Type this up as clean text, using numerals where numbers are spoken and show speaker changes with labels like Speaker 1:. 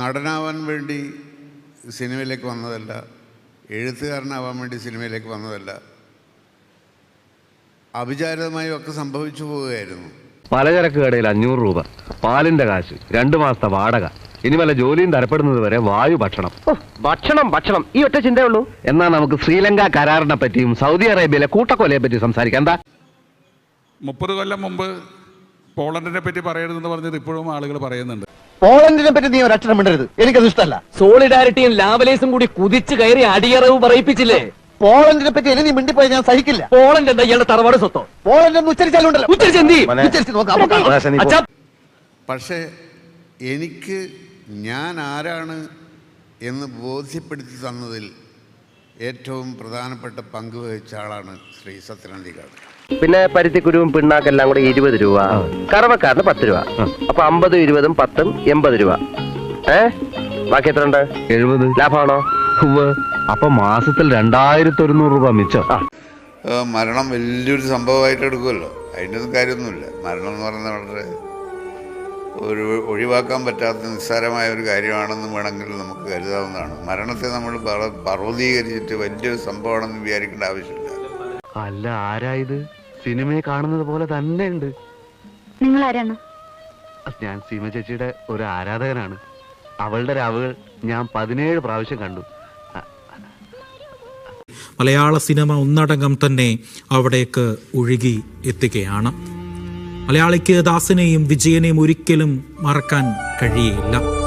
Speaker 1: നടനാവാൻ വേണ്ടി സിനിമയിലേക്ക് വന്നതല്ല, എഴുത്തുകാരനാവാൻ വേണ്ടി സിനിമയിലേക്ക് വന്നതല്ല. അവിചാരിതമായും ഒക്കെ സംഭവിച്ചു പോവുകയായിരുന്നു.
Speaker 2: പലചരക്ക് കടയിൽ 500 രൂപ, പാലിന്റെ കാശ്, 2 മാസത്തെ വാടക, ഇനി വല്ല ജോലിയും തരപ്പെടുന്നത് വരെ വായു ഭക്ഷണം. ഭക്ഷണം ഈ ഒറ്റ ചിന്തയുള്ളൂ. എന്നാൽ നമുക്ക് ശ്രീലങ്ക കരാറിനെ പറ്റിയും സൗദി അറേബ്യയിലെ കൂട്ടക്കൊലയെ പറ്റി സംസാരിക്കാം. എന്താ
Speaker 3: 30 കൊല്ലം മുമ്പ് പോളണ്ടിനെ പറ്റി പറയരുതെന്ന് പറഞ്ഞത് ഇപ്പോഴും ആളുകൾ പറയുന്നുണ്ട്.
Speaker 4: പോളണ്ടിനെ പറ്റി നീ ഒരക്ഷരം മിണ്ടരുത്, എനിക്കത് ഇഷ്ടമല്ല.
Speaker 5: സോളിഡാരിറ്റിയും ലാവലേസും കൂടി കുതിച്ചു കയറി അടിയറവ് പറയിപ്പിച്ചില്ലേ?
Speaker 4: പോളണ്ടിനെ പറ്റി ഇനി നീ മിണ്ടിപ്പോയി ഞാൻ സഹിക്കില്ല.
Speaker 5: പോളണ്ട് എന്താ ഇയാളുടെ തറവാട് സ്വത്തോ?
Speaker 4: പോളണ്ട് എന്ന് ഉച്ചരിച്ചാലുണ്ടല്ലോ, ഉച്ചരിച്ച് നോക്കാം.
Speaker 1: പക്ഷേ എനിക്ക് ഞാൻ ആരാണ് എന്ന് ബോധ്യപ്പെടുത്തി തന്നതിൽ ഏറ്റവും പ്രധാനപ്പെട്ട പങ്ക് വഹിച്ച ആളാണ് ശ്രീ സത്യനന്ദിക്കാട്.
Speaker 2: പിന്നെ പരുത്തിക്കുരുവും പിണ്ണാക്കെല്ലാം കൂടെ 20 രൂപ, കറവക്കാരന് 10 രൂപ. അപ്പൊ 50, 20, 10, 80 രൂപ. ബാക്കി എത്ര ഉണ്ട്? 70. ലാഭമാണോ? അപ്പൊ മാസത്തിൽ 2100 രൂപ മിച്ചം.
Speaker 1: മരണം വലിയൊരു സംഭവമായിട്ട് എടുക്കുമല്ലോ, അതിൻ്റെ ഒന്നും കാര്യമൊന്നുമില്ല. മരണം എന്ന് പറയുന്നത് വളരെ ഒഴിവാക്കാൻ പറ്റാത്ത നിസ്സാരമായ ഒരു കാര്യമാണെന്ന് വേണമെങ്കിൽ നമുക്ക് കരുതാവുന്നതാണ്. മരണത്തെ നമ്മൾ പർവ്വതീകരിച്ചിട്ട് വലിയൊരു സംഭവമാണെന്ന് വിചാരിക്കേണ്ട ആവശ്യമില്ല.
Speaker 2: അല്ല, ആരായത്? സിനിമയെ കാണുന്നത് പോലെ തന്നെ ഉണ്ട്.
Speaker 6: നിങ്ങൾ ആരാണ്?
Speaker 2: ഞാൻ സീമ ചേച്ചിയുടെ ഒരു ആരാധകനാണ്. അവളുടെ രാവുകൾ ഞാൻ 17 പ്രാവശ്യം കണ്ടു.
Speaker 7: മലയാള സിനിമ ഒന്നടങ്കം തന്നെ അവിടേക്ക് ഒഴുകി എത്തുകയാണ്. മലയാളിക്ക് ദാസനെയും വിജയനെയും ഒരിക്കലും മറക്കാൻ കഴിയില്ല.